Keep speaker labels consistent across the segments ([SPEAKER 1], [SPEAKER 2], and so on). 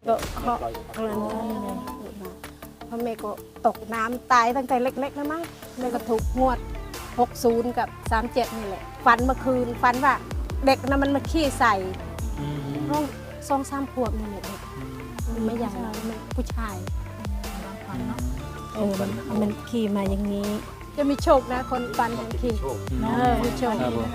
[SPEAKER 1] ก็เหาะกระนั้นเลยเพราะแม่ก็ตกน้ำตายตั้งแต่เล็กๆแล้วมั้งแม่ก็ถูกงวด60กับ37นี่แหละฝันเมื่อคืนฝันว่าเด็กนะมันมาขี้ใส่น้อง2-3 ขวบนี่แหละมันไม่ใหญ่มันผู้ชายมันขี่มาอย่างนี้จะมีโชคนะคนฟันอย่างขี่มีโชค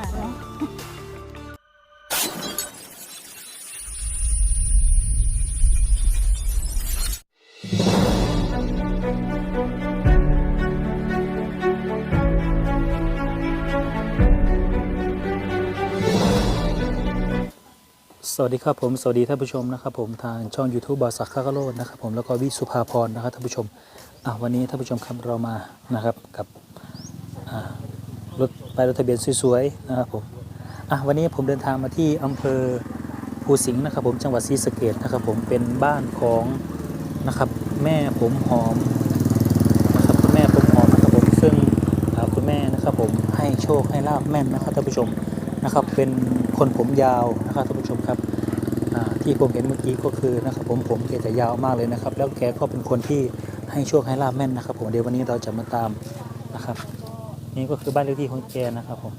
[SPEAKER 2] สวัสดีครับผมสวัสดีท่านผู้ชมนะครับผมทางช่อง YouTube บอสักข้ากะโลดนะครับผมแล้วก็วิสุภาพรนะครับท่านผู้ชมวันนี้ท่านผู้ชมครับเรามานะครับกับรถป้ายรถทะเบียนสวยๆนะครับผมวันนี้ผมเดินทางมาที่อำเภอภูสิงห์นะครับผมจังหวัดศรีสะเกษนะครับผมเป็นบ้านของนะครับแม่ผมหอมนะครับคุณแม่ผมหอมนะครับผมซึ่งคุณแม่นะครับผมให้โชคให้ลาบแม่นนะครับท่านผู้ชมนะครับเป็นคนผมยาวนะครับท่านผู้ชมครับที่ผมเห็นเมื่อกี้ก็คือนะครับผมแกจะยาวมากเลยนะครับแล้วแกก็เป็นคนที่ให้โชคให้ลาบแม่นนะครับผมเดี๋ยววันนี้เราจะมาตามนะครับนี่ก็คือบ้านเลขที่ของแกนะครับผม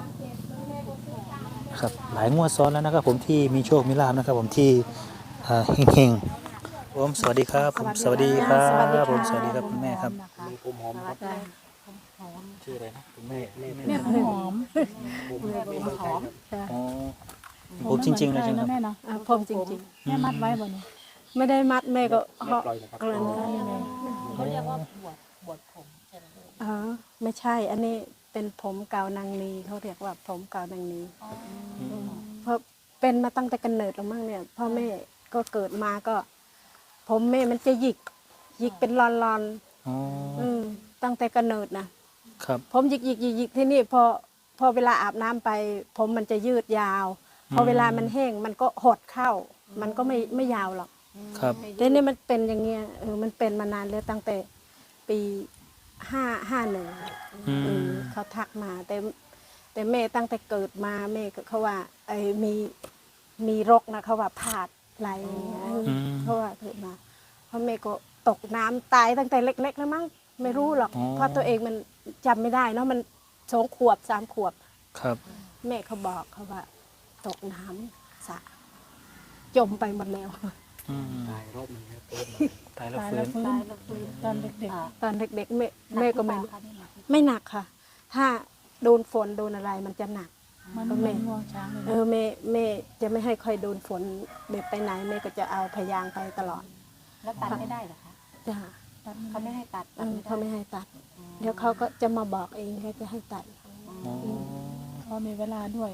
[SPEAKER 2] นะครับหลายงวดซ้อนแล้วนะครับผมที่มีโชคมีลาบนะครับผมที่เฮงๆผมสวัสดีครับผมสวัสดีครับผมสวัสดีครับคุณแม่ครับผมหอมครับชื่ออะไรนะคุณแม่
[SPEAKER 3] หอมหอม
[SPEAKER 2] ผมจริงๆเลยใช่ไหมครับ
[SPEAKER 3] แม่เนาะ
[SPEAKER 1] ผมจริง
[SPEAKER 3] ๆแม่มัดไว้บ่เนี่ย
[SPEAKER 1] ๆไม่ได้มัดแม่ก็เหาะกระนั้น
[SPEAKER 3] เขาเรียกว่าบวชผมใช่ไหม
[SPEAKER 1] ไม่ใช่อันนี้เป็นผมเก่านางนีเขาเรียกว่าผมเก่านางนีเพราะเป็นมาตั้งแต่กำเนิดแล้วมั้งเนี่ยพ่อแม่ก็เกิดมาก็ ผมแม่มันจะหยิกเป็นลอนๆตั้งแต่กำเนิดนะครับผมหยิกที่นี่พอเวลาอาบน้ำไปผมมันจะยืดยาวพอเวลามันแห้งมันก็หดเข้ามันก็ไม่ยาวหรอก
[SPEAKER 2] ครับ
[SPEAKER 1] แต่นี่มันเป็นอย่างเงี้ยมันเป็นมานานแล้วตั้งแต่ปี51เขาทักมาแต่แม่ตั้งแต่เกิดมาแม่ก็เขาว่ามีรกนะเขาว่าผาดไหลเขาว่าเกิดมาเพราะแม่ก็ตกน้ำตายตั้งแต่เล็กๆแล้วมั้งไม่รู้หรอกเพราะตัวเองมันจำไม่ได้เนาะมัน2 ขวบ 3 ขวบ
[SPEAKER 2] ครับ
[SPEAKER 1] แม่เขาบอกเขาว่าตกน้ำสระจมไปหมดแล้ว
[SPEAKER 2] ตายรอบนึงตายแล้วฟื้น
[SPEAKER 3] ตอนเด็ก
[SPEAKER 1] ตอนเด็กๆแม่ก็ไม่หนักค่ะ ถ้าโดนฝนโดนอะไรมันจะหนัก
[SPEAKER 3] ๆมันไม่ง่วงช้างเลย
[SPEAKER 1] แม่จะไม่ให้ค่อยโดนฝนเด็กไปไหนแม่ก็จะเอาพยางไปตลอด
[SPEAKER 3] แล้วตัดไม่ได้เหรอคะ
[SPEAKER 1] จ้ะ
[SPEAKER 3] เขาไม่ให้ตัด
[SPEAKER 1] เขาไม่ให้ตัดเดี๋ยวเขาก็จะมาบอกเองเขาจะให้ตัด
[SPEAKER 3] เขามีเวลาด้วย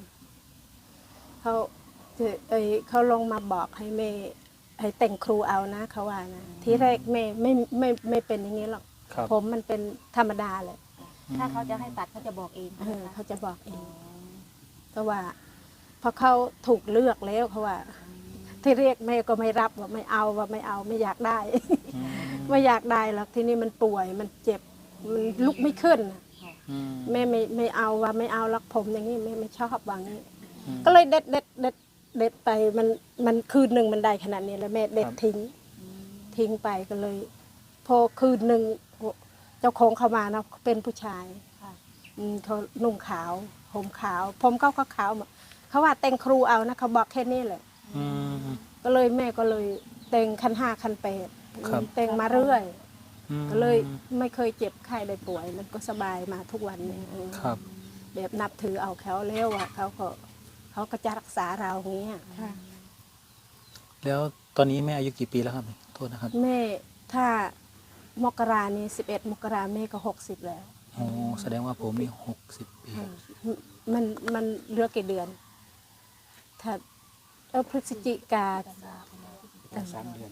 [SPEAKER 1] เขาลงมาบอกให้แม่ให้แต่งครูเอานะเขาว่านะทีแรกแม่ไม่เป็นอย่างนี้หรอกผมมันเป็นธรรมดาเลย
[SPEAKER 3] ถ้าเขาจะให้ตัดเขาจะบอกเอง
[SPEAKER 1] เขาจะบอกเองก็ว่าพอเขาถูกเลือกแล้วเขาว่าที่เรียกแม่ก็ไม่รับว่าไม่เอาไม่อยากได้ไม่อยากได้หรอกที่นี่มันป่วยมันเจ็บมันลุกไม่ขึ้นแม่ไม่เอาว่าไม่เอารักผมอย่างนี้แม่ไม่ชอบวางนี้ก็เลยเด็ดไปมันคืนหนึ่งมันได้ขนาดนี้แล้วแม่เด็ดทิ้งไปก็เลย พอคืนหนึ่งเจ้าของเขามานะเป็นผู้ชายเขานุ่งขาวผมขาวผมก็ขาวเขาว่าแต่งครูเอานะเขาบอกแค่นี้แหละก็เลยแม่ก็เลยแต่งคัน 5 คัน 8แต่งมาเรื่อยก็เลยไม่เคยเจ็บไข้ได้ป่วยมันก็สบายมาทุกวันนี้แบบนับถือเอาเขาแล้วอ่ะเขาก็จะรักษาเราอย่างเงี้ย
[SPEAKER 2] แล้วตอนนี้แม่อายุกี่ปีแล้วครับโทษนะครับ
[SPEAKER 1] แม่ถ้ามกรานี้11 มกราแม่ก็60แล้ว
[SPEAKER 2] แสดงว่าผมนี่60 ปี
[SPEAKER 1] มันเหลือกี่เดือนถ้าพฤศจิกา3 เดือน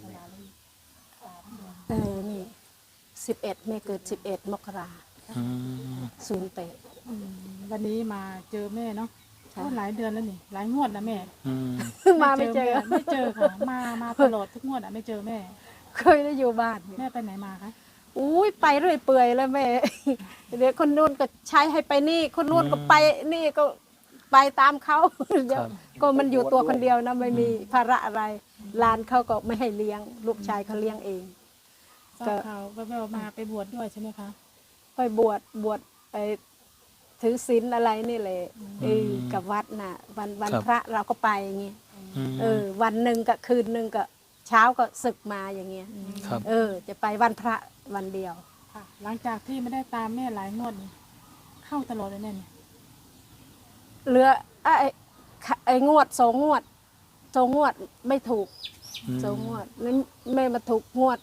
[SPEAKER 1] นี่11แม่เกิด11 มกรา08
[SPEAKER 3] วันนี้มาเจอแม่เนาะหลายเดือนแล้วนี่หลายงวดนะแม่
[SPEAKER 1] มาไม่เจอ
[SPEAKER 3] ค่ะมาตลอดทุกงวดไม่เจอแม่
[SPEAKER 1] เคยได้อยู่บ้าน
[SPEAKER 3] แม่ไปไหนมาคะ
[SPEAKER 1] อุ้ยไปเรื่อยเปื่อยแล้วแม่เดี๋ยวคนนู้นก็ใช้ให้ไปนี่คนนู้นก็ไปนี่ก็ไปตามเขาก็มันอยู่ตัวคนเดียวนะไม่มีภาระอะไรหลานเขาก็ไม่ให้เลี้ยง ลูกชายเขาเลี้ยงเอง
[SPEAKER 3] ทราบข่าวแววๆมาไปบวชด้วยใช่ไหมคะ
[SPEAKER 1] ไปบวชไปถือศีลอะไรนี่แหละกับวัดน่ะ วันพระเราก็ไปอย่างเงี้ยวันหนึ่งกับคืนหนึ่งก็เช้าก็ศึกมาอย่างเงี้ย
[SPEAKER 2] ครับ
[SPEAKER 1] จะไปวันพระวันเดียว
[SPEAKER 3] ค่ะ หลังจากที่ไม่ได้ตามแม่หลายงวดนี่เข้าตลอดเลยแน่เนี่ย
[SPEAKER 1] เหลือไอ้งวดสองงวดไม่ถูกสองงวดนี่แม่มาถูกงวด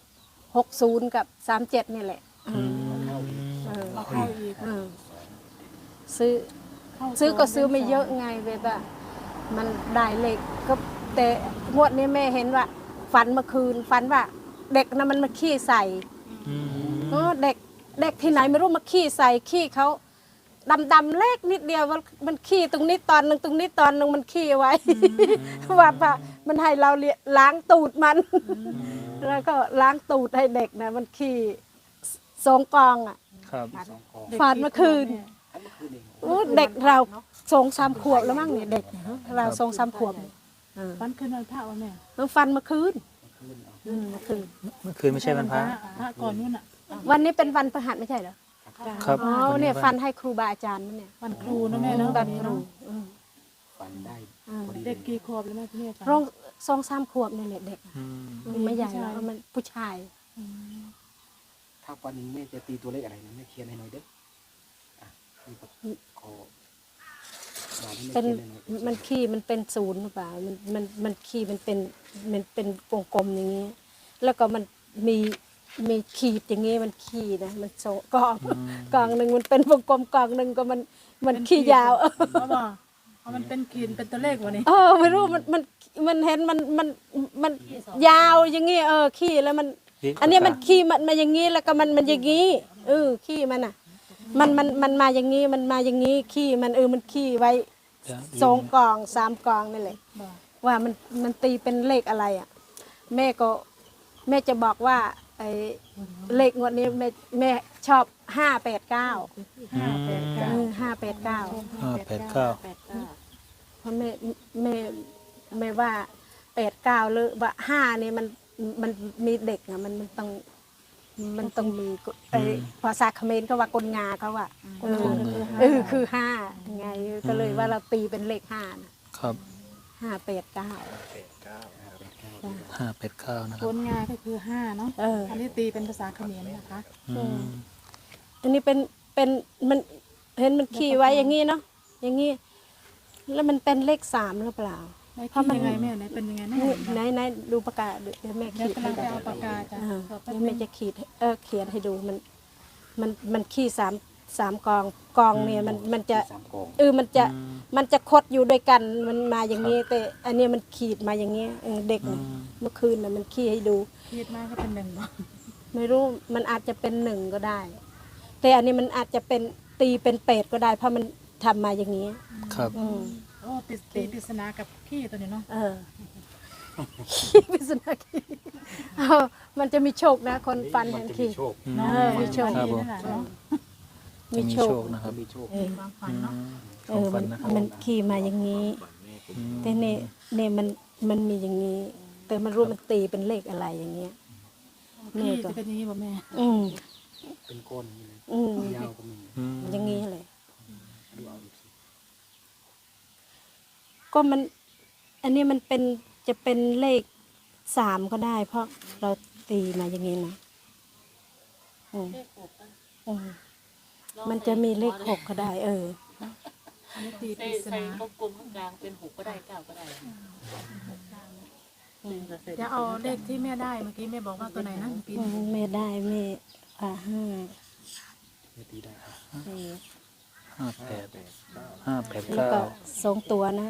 [SPEAKER 1] 60กับ37นี่แหละเออ
[SPEAKER 3] เราเข้าอีก
[SPEAKER 1] เออซื้อ
[SPEAKER 3] เข้า
[SPEAKER 1] ซื้อก็ซื้อ
[SPEAKER 3] 2
[SPEAKER 1] ไม่เยอะไงแบบว่ามันได้เลขก็แต่งวดนี้แม่เห็นว่าฝันเมื่อคืนฝันว่าเด็กนะมันมาขี้ใส่เด็กที่ไหนไม่รู้มาขี้ใส่ขี้เขาดำเล็กนิดเดียวมันขี้ตรงนี้ตอนหนึ่งตรงนี้ตอนหนึ่งมันขี้ไว้ว่ามันให้เราล้างตูดมัน แล้วก็ล้างตูดให้เด็กนะมันขี้2 กองอ่ะ
[SPEAKER 2] ครับ
[SPEAKER 1] ฝันเมื่อคืน เด็กเรา2-3 ขวบแล้วมั้งเนี่ยเด็กเรา2-3 ขวบ
[SPEAKER 3] วันคืนวันพระวันแม่
[SPEAKER 1] มันฟันเมื่อคืนเมื่อคืน
[SPEAKER 2] เมื่อคืนไม่ใช่วันพระ
[SPEAKER 3] พระก่อนนู่นอ่ะ
[SPEAKER 1] วันนี้เป็นวันพฤหัสไม่ใช่เหรอ
[SPEAKER 2] ครับ
[SPEAKER 1] อ๋อ
[SPEAKER 2] วั
[SPEAKER 1] เนี่ยฟันให้ครูบาอาจารย์นั่นเนี่ย
[SPEAKER 3] วันครูนะแม่เนาะ
[SPEAKER 1] วันครู
[SPEAKER 4] ฝันได้
[SPEAKER 3] เด็กกี่ขวบแล้วแม่ที่นี่ค่ะ
[SPEAKER 1] ร้อง2-3 ขวบนี่แหละเด็ก
[SPEAKER 2] อืม
[SPEAKER 1] ไม่ใหญ่แล้วมันผู้ชาย
[SPEAKER 4] ถ้าวันหนึงแม่จะตีตัวเลขอะไรนะแม่เขียนให้หน่อยเด้ออ่ะนี่ก็ขอบอกให้แม่
[SPEAKER 1] เป็น
[SPEAKER 4] เขียนให้หน่อย
[SPEAKER 1] มันขี้มันเป็นศูนย์หรือเปล่ามันขี้มันเป็นวงกลมอย่างนี้ แล้วก็มันมีขีดอย่างนี้มันขี้นะมันโซกองหนึ่งมันเป็นวงกลมกองหนึ่งก็มันขี้ยาว
[SPEAKER 3] เพราะว่ามันเป็นขีดเป็นตัวเลขวะนี่
[SPEAKER 1] ไม่รู้มันเห็นมันยาวอย่างงี้ขี้แล้วมัน อันนี้มันขี้มันมาอย่างงี้แล้วก็มันอย่างงี้ขี้มันอ่ะมันมาอย่างงี้มันมาอย่างงี้ขี้มันมันขี้ไว้2 กอง 3 กองนี่แหละว่ามันตีเป็นเลขอะไรอ่ะแม่จะบอกว่าไอ้เลขงวดนี้แม่ชอบ589 589
[SPEAKER 2] 589
[SPEAKER 1] เพราะแม่ว่า89หรือว่า5นี่มันมีเด็กอ่ะมันต้องมีภาษาเขมรเขาว่ากลงาเขาว่าคือ5ไงก็เลยว่าเราตีเป็นเลข5นะครับ 589
[SPEAKER 2] 589นะค
[SPEAKER 3] ครับ นงานก็คือ5เนาะ อันนี้ตีเป็นภาษาเขมรนะคะ
[SPEAKER 1] อันนี้เป็นมันเห็นมันขี่ไว้อย่างงี้เนาะอย่างงี้แล้วมันเป็นเลข3หรือเปล่า
[SPEAKER 3] ในที่ยังไงแม่ไหนเป็นยังไงแม่
[SPEAKER 1] ไหนดูปากกาเดี๋ยวแม่
[SPEAKER 3] เดี๋ยว
[SPEAKER 1] ขีด
[SPEAKER 3] กำลังไปเอาปากกาจ้ะ
[SPEAKER 1] เดี๋ยวแม่จะขีดเขียนให้ดูมันขี้3 กองเนี่ยมันจะ
[SPEAKER 4] สามกอง
[SPEAKER 1] มันจะคดอยู่ด้วยกันมันมาอย่างนี้แต่อันนี้มันขีดมาอย่างนี้เด็กน่ะเมื่อคืนน่ะมันขี้ให้ดู
[SPEAKER 3] ขีดมาก็เป็น1บ่
[SPEAKER 1] ไม่รู้มันอาจจะเป็น1ก็ได้ แต่อันนี้มันอาจจะเป็นตีเป็น8ก็ได้ เพราะมันทำมาอย่างนี้
[SPEAKER 2] ครับ
[SPEAKER 3] โอ้ตีปริศนากับขี้ตัวนี้เนาะ
[SPEAKER 1] ขี้ปริศนาขี้มันจะมีโชคนะคนฟันเห็นขี้
[SPEAKER 3] เนาะ
[SPEAKER 1] มีโชค
[SPEAKER 2] ครับผม
[SPEAKER 3] นั่นแหละเนาะ
[SPEAKER 2] จะมีโชคนะครับ
[SPEAKER 4] มีโชค
[SPEAKER 3] ความฝันเนาะ
[SPEAKER 2] ของฝันนะครับ
[SPEAKER 1] มันขี้มาอย่างนี้ แต่เนี่ยมันมีอย่างนี้ แต่มันรู้มันตีเป็นเลขอะไรอย่างเงี้ย
[SPEAKER 3] ขี้จะเป็นอย่างนี้บ่แม่
[SPEAKER 1] อืม
[SPEAKER 4] เป็นก้อนอย่างนี้เลย
[SPEAKER 1] อืม
[SPEAKER 4] ยาวก็มี
[SPEAKER 1] อย่างนี้เลย
[SPEAKER 4] ดูเอาดูสิ
[SPEAKER 1] ก็อันนี้มันจะเป็นเลข3ก็ได้ เพราะเราตีมาอย่างนี้นะมันจะมีเลข6ก็ได้
[SPEAKER 3] อันนี้ตีป
[SPEAKER 5] ใส่
[SPEAKER 3] ริศ
[SPEAKER 5] ใส่
[SPEAKER 3] นา
[SPEAKER 5] กลมๆข้างกลางเป็น6ก็ได้9ก็ได้
[SPEAKER 3] จะเอาเลขที่แม่ได้เมื่อกี้แม่บอกว่าตัวไหนนะปีน
[SPEAKER 1] ไม่ได้ไม่5
[SPEAKER 4] ไม่ตีได้ครับ
[SPEAKER 1] แล้วก็
[SPEAKER 2] 589
[SPEAKER 1] 2 ตัวนะ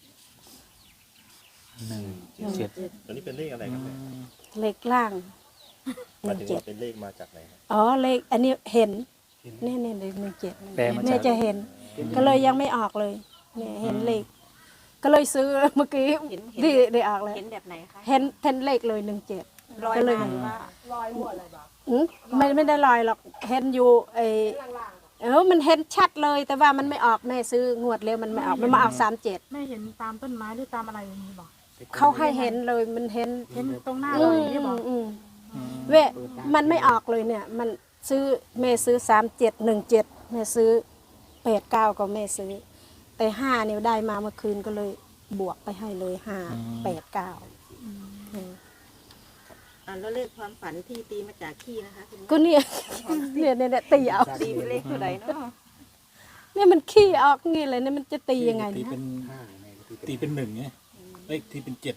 [SPEAKER 2] 17
[SPEAKER 6] ตัวนี้เป็นเลขอะไรครับแม่
[SPEAKER 1] เลขล่าง
[SPEAKER 6] หมายถึงว่า
[SPEAKER 1] 17
[SPEAKER 6] เป็นเลขมาจากไหนครับ
[SPEAKER 1] อ๋อเลขอันนี้เห็นนี่เลข17
[SPEAKER 2] แปลมา
[SPEAKER 1] แม่
[SPEAKER 2] จาก
[SPEAKER 1] จะเห็น ก็เลยยังไม่ออกเลยเนี่ยเห็นเลข ก็เลยซื้อเมื่อกี้ที่ได้ออกเลย
[SPEAKER 5] เห็นแบบไหนคะ
[SPEAKER 1] เห็นเลขเลย17
[SPEAKER 5] ลอย
[SPEAKER 1] ก็เลย
[SPEAKER 5] มาว่า
[SPEAKER 1] ไม่ได้ลอยหรอกเห็นอยู่มันเห็นชัดเลยแต่ว่ามันไม่ออกแม่ซื้องวดเร็วมันไม่ออกมันมาออก37
[SPEAKER 3] แม่เห็นตามต้นไม้หรือตามอะไรอย่างนี้บอก
[SPEAKER 1] เขาให้เห็นเลยมันเห็น
[SPEAKER 3] เห็นตรงหน้าเราอย่างนี้บอก
[SPEAKER 1] เวะมันไม่ออกเลยเนี่ย มันซื้อแม่ซื้อ3717แม่ซื้อ89ก็แม่ซื้อ แต่5เนี่ยได้มาเมื่อคืนก็เลยบวกไปให้เลย589
[SPEAKER 5] แล้วเลขความฝันที่ตีมาจากขี้นะคะคุณ
[SPEAKER 1] ก็เนี่ย เนี่ยตีเอา
[SPEAKER 5] ตีเป็นเลขเท่าไหร่เนาะ
[SPEAKER 1] เนี่ยมันขี้ออกงี้เลยเนี่ยมันจะตียังไง
[SPEAKER 2] ตี
[SPEAKER 1] เนี่ย
[SPEAKER 2] เป็น
[SPEAKER 4] ห้าแม่ก็
[SPEAKER 2] ตีเป็นหนึ่งไงเลขตีเป็น7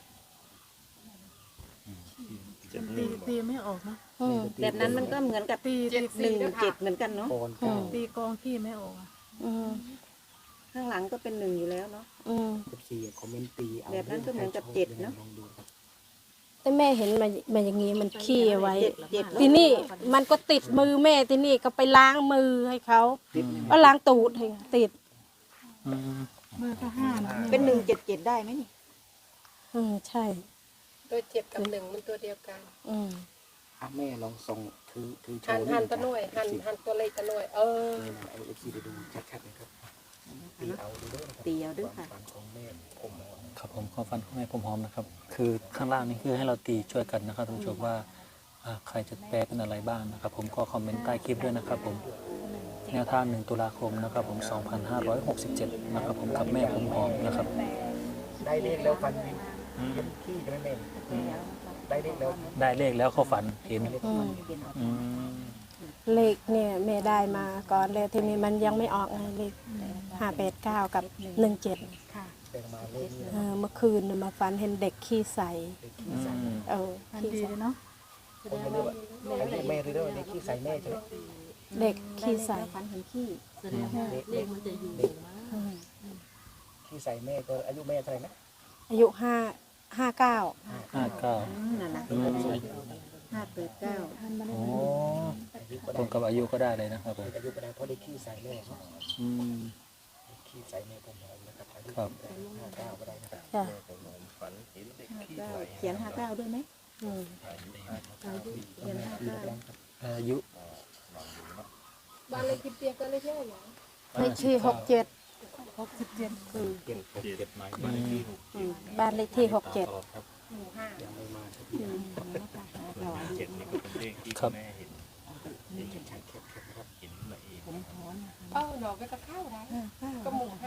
[SPEAKER 3] ตีไม่ออกนะ
[SPEAKER 1] อืม
[SPEAKER 5] แบบนั้นมันก็เหมือนกับ
[SPEAKER 3] ตี
[SPEAKER 5] 17เหมือนกันเนาะ
[SPEAKER 4] ปอนเก้า
[SPEAKER 3] ตีกองขี้ไม่ออกอะ
[SPEAKER 1] อืม
[SPEAKER 5] ข้างหลังก็เป็น1อยู่แล้วเนาะ
[SPEAKER 1] อืม
[SPEAKER 4] กับสี่คอมเมนต์ตีเอา
[SPEAKER 5] แบบนั้นก็เหมือนกับเจ็ดเนอะ
[SPEAKER 4] ลองดูครับ
[SPEAKER 1] แต่แม่เห็นมาอย่างงี้มันขี้เอาไว้
[SPEAKER 5] เจ็ด
[SPEAKER 1] ทีนี่มันก็ติดมือแม่ทีนี่ก็ไปล้างมือให้เขาก็ล้างตูดให้ติด
[SPEAKER 3] มือก็5นะแม่
[SPEAKER 5] เป็น177ได้ไหมนี่
[SPEAKER 1] ใช่
[SPEAKER 7] ตัวเจ็ดกับหนึ่งมันตัวเดียวกัน
[SPEAKER 4] อ่ะแม่ลองส่งถือโช
[SPEAKER 7] หัน
[SPEAKER 4] ว์
[SPEAKER 7] หันตัวหน่วยหันตัวเล็กตัวหน่วย
[SPEAKER 4] ไอเอฟซีไปดูชัดๆนะครับตีเอาดูด้วยนะครับ
[SPEAKER 5] ตีเอาด้วยค่ะ
[SPEAKER 4] ฝันของแม่ผมหอม
[SPEAKER 2] ครับผมความฝันของแม่ผมหอมนะครับ คือข้างล่างนี่คือให้เราตีช่วยกันนะครับท่านผู้ชมว่าใครจะแปลเป็นอะไรบ้างนะครับ ผมก็คอมเมนต์ใต้คลิปด้วยนะครับ ผมแนวทาง1 ตุลาคมนะครับ ผม 2567 นะครับ ผมกับแม่ผมหอมนะครับ
[SPEAKER 4] ได้เลขแล้วฟันวิวเห็นขี้ใช่ไหมแม่ได้เลขแล้ว
[SPEAKER 2] ได้เลขแล้วเขาฝันเห็นอืม
[SPEAKER 1] เลขเนี่ยแม่ได้มาก่อนเลยทีนี้มันยังไม่ออกไงเลข589กับ17
[SPEAKER 3] ค่ะ
[SPEAKER 4] แต่มาเลขนี้
[SPEAKER 1] เมื่อคืนน่ะมาฝันเห็นเด็กขี้ใส
[SPEAKER 3] มัน
[SPEAKER 1] ขี้
[SPEAKER 3] ดี
[SPEAKER 1] ใส
[SPEAKER 3] เลยเนาะ
[SPEAKER 4] ผมไม่รู้ว่าเลขแม่หรือเลขขี้ใส่แม่ใช่ไหม
[SPEAKER 1] เด็กขี้ใส
[SPEAKER 5] ฝันเห็นขี้
[SPEAKER 7] แสดงว่าเลขมันจะอยู่มา
[SPEAKER 4] ขี้ใส่แม่ก็อายุแม่เท่าไหร่นะ
[SPEAKER 1] อายุ59
[SPEAKER 2] 59
[SPEAKER 5] นั่นนะ
[SPEAKER 2] อืม
[SPEAKER 5] 589
[SPEAKER 2] โอ้ตรงกับอายุก็ได้เลยนะครับผม
[SPEAKER 4] อายุก็ได้เพราะได้ขี้ใส่แม่เนาะ
[SPEAKER 2] อืม
[SPEAKER 4] ขี้ใส่แม่ผมหอมนะครับอายุ
[SPEAKER 2] ครับ
[SPEAKER 4] 59ก็ได้นะครับ
[SPEAKER 1] จ้ะ
[SPEAKER 6] ฝันเห็นเด็กขี้
[SPEAKER 5] เขียน59ด้วยไหม
[SPEAKER 1] อืม
[SPEAKER 5] เขียน59
[SPEAKER 2] อายุ
[SPEAKER 7] บ้านเลขที่เปียกก็เลขเยอะหรอ
[SPEAKER 1] เลขที่67
[SPEAKER 4] เปลี่ยน6 7
[SPEAKER 1] บ้านเลขที่67
[SPEAKER 4] ยังไม่มาสักที
[SPEAKER 6] เจ็ดนี่ก็เป็นเลขที่
[SPEAKER 2] ครับ
[SPEAKER 6] แม่เห็น
[SPEAKER 4] ชัดๆนะครับ
[SPEAKER 6] เห็นมาเอง
[SPEAKER 7] ดอกก็เข้าได้ก็หมู่ห้า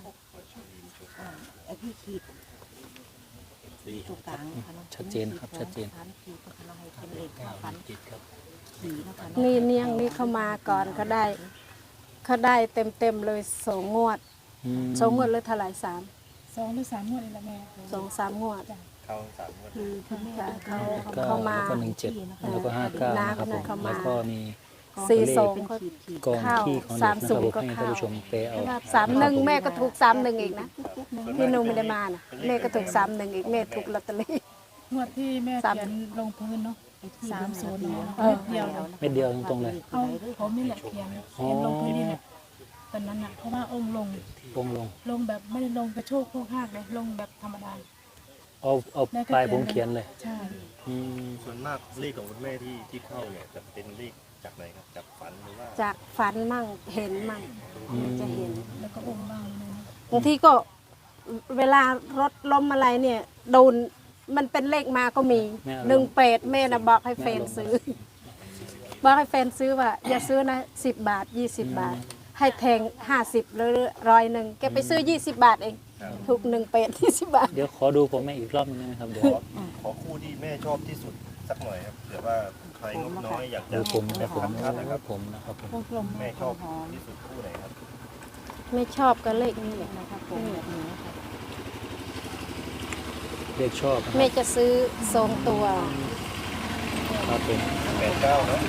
[SPEAKER 5] ไอ้พี่ขีดตรงกลางนะคะ
[SPEAKER 2] ชัดเจนครับชัดเจน
[SPEAKER 5] ขีดนะคะเราให้เป็นเลขฝัน
[SPEAKER 2] จิตครับ
[SPEAKER 5] ขีดนะคะ
[SPEAKER 1] นี่เนียงนี่เข้ามาก่อนเขาได้เต็มเลย2 งวด 2 งวดเลยเท่าไหร่3
[SPEAKER 3] 2 หรือ 3 งวดนี่แหละแม่
[SPEAKER 1] 2-3 งวด
[SPEAKER 6] เข้าสามงวด
[SPEAKER 5] คือคุณแม่
[SPEAKER 1] ค่ะ
[SPEAKER 2] เก้า
[SPEAKER 1] เขามา
[SPEAKER 2] แล้วก็17แล้วก็59นะครับผมแล้วก็มี
[SPEAKER 1] 42ก็
[SPEAKER 2] กองที่ของเด็กนะครับผมให้ท่านผู้ชมไปเอา
[SPEAKER 1] 31แม่ก็ถูก31อีกนะพี่นุ่มไม่ได้มานะแม่ก็ถูก31อีกแม่ถูกลอตเตอรี่
[SPEAKER 3] งวดที่แม่
[SPEAKER 1] สาม
[SPEAKER 3] เขียนลงพื้นเนาะ30เนาะ
[SPEAKER 1] เออ
[SPEAKER 3] เดียวเนาะ
[SPEAKER 2] เม็ดเดียวตรงๆเลย
[SPEAKER 3] เอาผมนี่แหละเขียนลงพื้นนี่แหละตอนนั้นอ่ะเพราะว่าองค์ลง
[SPEAKER 2] วงลง
[SPEAKER 3] ลงแบบไม่ได้ลงกระโชกโคกหักเลยลงแบบธรรมดา
[SPEAKER 2] เอาปลายผมเขียนเลย
[SPEAKER 3] ใช่
[SPEAKER 2] อืม
[SPEAKER 6] ส่วนมากเลขของคุณแม่ที่เข้าเนี่ยจะเป็นเลขจากไหนครับจากฝันหรือว่า
[SPEAKER 1] จากฝันมั่งเห็นมั่งจะเห็น
[SPEAKER 3] แล้วก็องค์บ้างเลยนะ
[SPEAKER 1] บางทีก็เวลารถล้มอะไรเนี่ยโดนมันเป็นเลขมาก็มี18แม่นะบอกให้แฟนซื้อ บอกให้แฟนซื้อว่าอย่าซื้อนะ10 บาท 20 บาท ให้แทง50หรือ100แกไปซื้อ20 บาทเองถูก18 20 บาท
[SPEAKER 2] เดี๋ยวขอดูผมแม่อีกรอบนึงได้ไหมครับเดี๋ยว
[SPEAKER 6] ขอคู่ที่แม่ชอบที่สุดสักหน่อยครับเผื่อว่าใครงบน้อยอยากจะ
[SPEAKER 2] ดูผมนะผม
[SPEAKER 6] ชัดๆนะครับ
[SPEAKER 2] ผมนะครับผม
[SPEAKER 3] วงกลม
[SPEAKER 6] แม่ชอบที่สุดคู่ไหนครับ
[SPEAKER 1] ไม่ชอบก็เลขนี้แหละ
[SPEAKER 2] เลขชอบนะค
[SPEAKER 1] แม่
[SPEAKER 2] รับ
[SPEAKER 1] จะซื้อ2 ตัว
[SPEAKER 2] ครับผม
[SPEAKER 6] 89เนาะ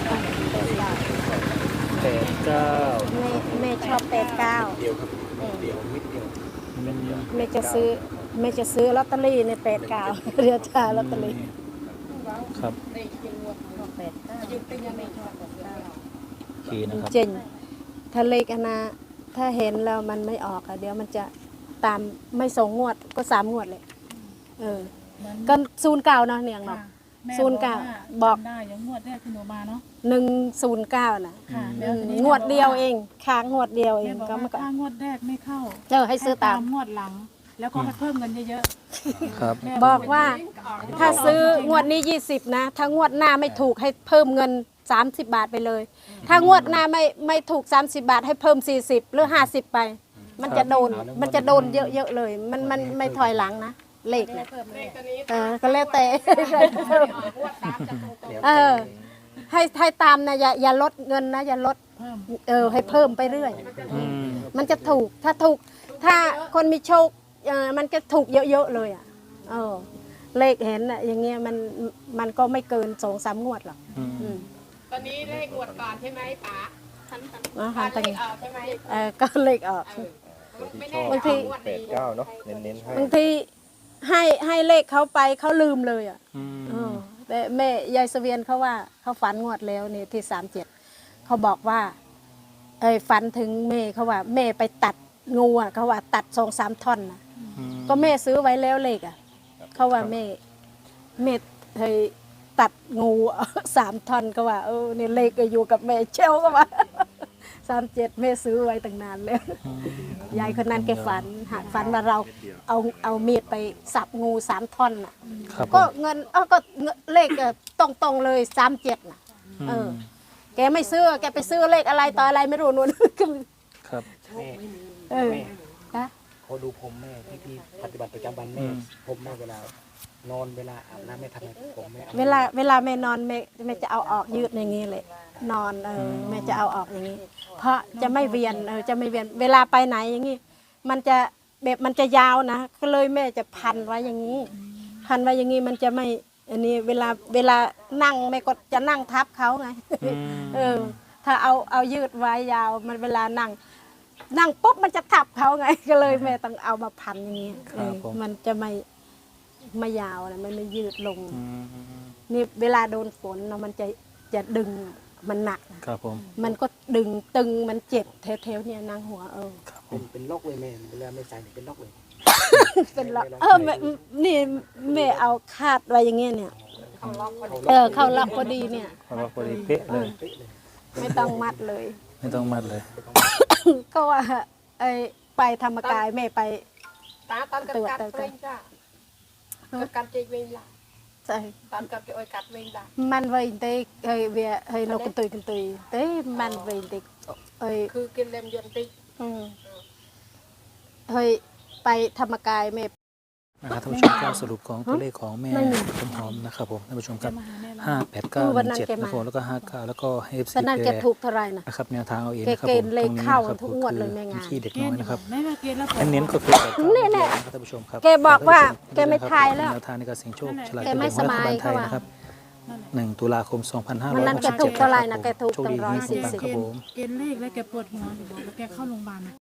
[SPEAKER 2] 89
[SPEAKER 1] แม่ชอบ89
[SPEAKER 4] เดียวครับเดียวมิดเดียว
[SPEAKER 1] แม่จะซื้อลอตเตอรี่ใน89เรียกชาลอตเตอรี่
[SPEAKER 2] ครับ
[SPEAKER 7] อายุเป็นยังไงชอบกับเรา
[SPEAKER 2] ขีนะครับ
[SPEAKER 1] จริงถ้าเลขถ้าเห็นแล้วมันไม่ออกอะเดี๋ยวมันจะตามไม่2 งวดก็3 งวดเลยก็09เนาะเนียงเนาะ
[SPEAKER 3] แม่
[SPEAKER 1] 09
[SPEAKER 3] บอกได้อย่างงวดแรกที่หนูมาเนาะ
[SPEAKER 1] 109น่ะ
[SPEAKER 3] ค่ะแล้วทีนี้
[SPEAKER 1] งวดเดียวเองค้างงวดเดียวเอ
[SPEAKER 3] แม่
[SPEAKER 1] ง
[SPEAKER 3] บอก
[SPEAKER 1] ก็
[SPEAKER 3] ว่า
[SPEAKER 1] มันก็
[SPEAKER 3] ถ้างวดแรกไม่เข้า
[SPEAKER 1] ให้ซื้อตาม
[SPEAKER 3] งวดหลัง แล้วก็ให้เพิ่มเงินเยอะ
[SPEAKER 2] ครับ
[SPEAKER 3] ๆแม่
[SPEAKER 1] บอกว่าถ้าซื้องวดนี้20นะถ้างวดหน้าไม่ถูกให้เพิ่มเงิน30 บาทไปเลย ถ้างวดหน้าไม่ถูก30 บาทให้เพิ่ม40หรือ50ไป มันจะโดนเยอะๆเลยมันไม่ถอยหลังนะเลขนะ
[SPEAKER 7] เลขตัวนี้
[SPEAKER 1] ก็แล้วแต่
[SPEAKER 7] งวดตามจะตรง
[SPEAKER 1] เออให้ตามนะอย่าลดเงินนะอย่าลด
[SPEAKER 3] เพิ่ม
[SPEAKER 1] ให้เพิ่มไปเรื่อย
[SPEAKER 2] อืม
[SPEAKER 1] มันจะถูกถ้าคนมีโชคมันจะถูกเยอะๆเลยอ่ะเลขเห็นอ่ะอย่างเงี้ยมันก็ไม่เกิน2-3 งวดหรอก
[SPEAKER 2] อืม
[SPEAKER 7] ตอนนี้เลขงวดก่อนใช่ไหมป๋า
[SPEAKER 1] หัน
[SPEAKER 7] เล
[SPEAKER 1] ตัง
[SPEAKER 7] ขออกใช่ไหม
[SPEAKER 1] ก็เลขออก
[SPEAKER 7] ไม่แน่
[SPEAKER 1] บางที
[SPEAKER 7] งวด
[SPEAKER 6] แป
[SPEAKER 7] นี้
[SPEAKER 6] ดเก้าเนาะเน้นๆให้
[SPEAKER 1] บางทีให้เลขเขาไปเขาลืมเลยอ่ะ
[SPEAKER 2] อืม
[SPEAKER 1] แต่แม่ยายเสวียนเขาว่าเขาฝันงวดแล้วนี่ที่37เขาบอกว่าฝันถึงแม่เขาว่าแม่ไปตัดงูอ่ะเขาว่าตัด2-3 ท่อนนะก็แม่ซื้อไว้แล้วเลขอ่ะเขาว่าแม่เคยตัดงู3 ท่อนก็ว่านี่เลขก็อยู่กับแม่เชลก็ว่า37แม่ซื้อไว้ตั้งนานแล้วยายคนนั้นแกฝันว่าเราเอามีดไปสับงู3 ท่อนน่ะ
[SPEAKER 2] ครับผ
[SPEAKER 1] ก็
[SPEAKER 2] ม
[SPEAKER 1] เงินก็เลขตรงๆเลย37น่ะแกไม่ซื้อแกไปซื้อเลขอะไรต่ออะไรไม่รู้นู่น
[SPEAKER 2] ครับ
[SPEAKER 4] แม่
[SPEAKER 1] เออ
[SPEAKER 4] แม่
[SPEAKER 1] นะ
[SPEAKER 4] ขอดูผมแม่ที่พี่ปฏิบัติประจำวันแม่ผมแม่เวลานอนเวลาอาบน้ำแม่ทำไงผมแม่
[SPEAKER 1] เวลาแม่นอนแม่จะเอาออกยืดอย่างนี้เลยนอนแม่จะเอาออกอย่างนี้ เพราะจะไม่เวียนจะไม่เวียนเวลาไปไหนอย่างนี้มันจะยาวนะก็เลยแม่จะพันไว้อย่างนี้ พันไว้อย่างนี้มันจะไม่อันนี้เวลานั่งแม่ก็จะนั่งทับเขาไง ถ้าเอายืดไว้ยาวมันเวลานั่งปุ๊บมันจะทับเขาไง ก็เลยแม่ต้องเอามาพันอย่างนี้
[SPEAKER 2] ครับผม
[SPEAKER 1] มันจะไม่ยาวนะมันไม่ยืดลง
[SPEAKER 2] อืม
[SPEAKER 1] นี่เวลาโดนฝนเนาะมันจะดึงมันหนัก
[SPEAKER 2] ครับผม
[SPEAKER 1] มันก็ดึงตึงมันเจ็บแถวๆเนี่ยนางหัว
[SPEAKER 2] ครับผ
[SPEAKER 4] เป็น
[SPEAKER 2] ม
[SPEAKER 4] เป็นล็อกเลยแม่เวลาไม่ใส่เนี่ยเป็นล็อกเลย
[SPEAKER 1] เป็นละแม่นี่แม่เอาคาดไว้อย่างเงี้ยเนี่ย
[SPEAKER 7] เขาล็อกพอดี
[SPEAKER 1] เข้าล็อกพอดีเนี่ย
[SPEAKER 2] เพราะว่าพอดีเป๊ะเลย
[SPEAKER 4] เป๊ะเลย
[SPEAKER 1] ไม่ต้องมัดเลย
[SPEAKER 2] ไม่ต้องมัดเลย
[SPEAKER 1] ก็ว่าไปธรรมกายแม่ไป
[SPEAKER 7] ตาตอนกัดกัดเวงจ้ะกัดเจเวงละ
[SPEAKER 1] ใช่
[SPEAKER 7] ตอนกัดโอยกัดเวงละ
[SPEAKER 1] มันไว้เตเวียนกกันตุยเต้มันไว้เต
[SPEAKER 7] คือกินเลมยนติ
[SPEAKER 1] ไปธรรมกายแม่
[SPEAKER 2] นะครับท่านผู้ชมก็สรุปของตัวเลขของแม่ต้นหอมนะครับผมท่านผู้ชมครับ
[SPEAKER 3] มาหาแม่ละ
[SPEAKER 2] 58917นะครับผมแล้วก็59แล้วก็ให้ FC
[SPEAKER 1] ตอนนั้นแกถูกเท่าไหร่นะ
[SPEAKER 2] นะครับแนวทางเอาเอง
[SPEAKER 1] แก
[SPEAKER 2] นะครับ
[SPEAKER 1] เก
[SPEAKER 2] ผ
[SPEAKER 1] ณ
[SPEAKER 2] ม
[SPEAKER 1] ฑ์เลข
[SPEAKER 2] ตรงนี้
[SPEAKER 1] เข้า
[SPEAKER 2] นะครับ
[SPEAKER 1] ทุกงวดเลยแม่งาน
[SPEAKER 2] ขี้เด็กน้อยนะครับ
[SPEAKER 3] แม่มาเกณฑ์แล้ว
[SPEAKER 2] เน้นๆก็คือ
[SPEAKER 1] นี่แหละ
[SPEAKER 2] นะครับท่านผู้ชมครับ
[SPEAKER 1] แกบอกว่าแกไม่ทายแล้ว
[SPEAKER 2] แนวทางในการเสี่ยงโชคฉลาก
[SPEAKER 1] แกไม่
[SPEAKER 2] กินแบ่งรัฐบาลไทย
[SPEAKER 1] สบาย
[SPEAKER 2] นะครับ1 ตุลาคม
[SPEAKER 1] วันนั้นแกถูกเท่าไหร่นะแกถูก
[SPEAKER 2] โชคดี
[SPEAKER 1] ตั้ง
[SPEAKER 2] ที่ปัง
[SPEAKER 1] 140
[SPEAKER 2] ครับผม
[SPEAKER 3] เกณฑ์เลขแล้วแกปวดหัวอยู่บอกแล้วแกเข้าโรงพยาบาล